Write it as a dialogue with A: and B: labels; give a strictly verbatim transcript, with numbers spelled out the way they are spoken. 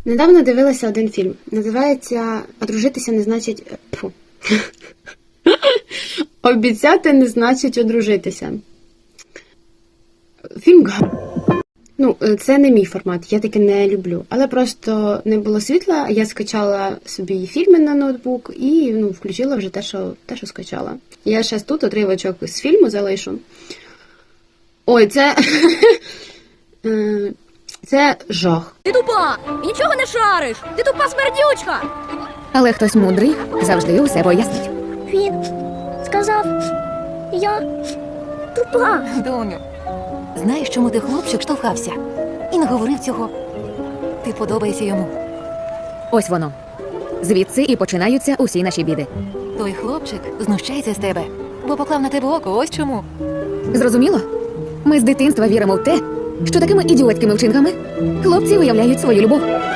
A: Недавно дивилася один фільм. Називається «Одружитися не значить...» Фу. «Обіцяти не значить одружитися». Фільм га... Ну, це не мій формат, я таке не люблю. Але просто не було світла, я скачала собі фільми на ноутбук і ну, включила вже те, що, те, що скачала. Я ще тут отривочок з фільму залишу. Ой, це... Це жах.
B: Ти тупа! І нічого не шариш! Ти тупа смердючка!
C: Але хтось мудрий завжди усе пояснить.
B: Він сказав, я тупа.
D: Доню, знаєш, чому ти хлопчик штовхався? І не говорив цього. Ти подобаєшся йому.
C: Ось воно. Звідси і починаються усі наші біди.
D: Той хлопчик знущається з тебе, бо поклав на тебе око, ось чому.
C: Зрозуміло? Ми з дитинства віримо в те, що такими ідіотськими вчинками хлопці виявляють свою любов.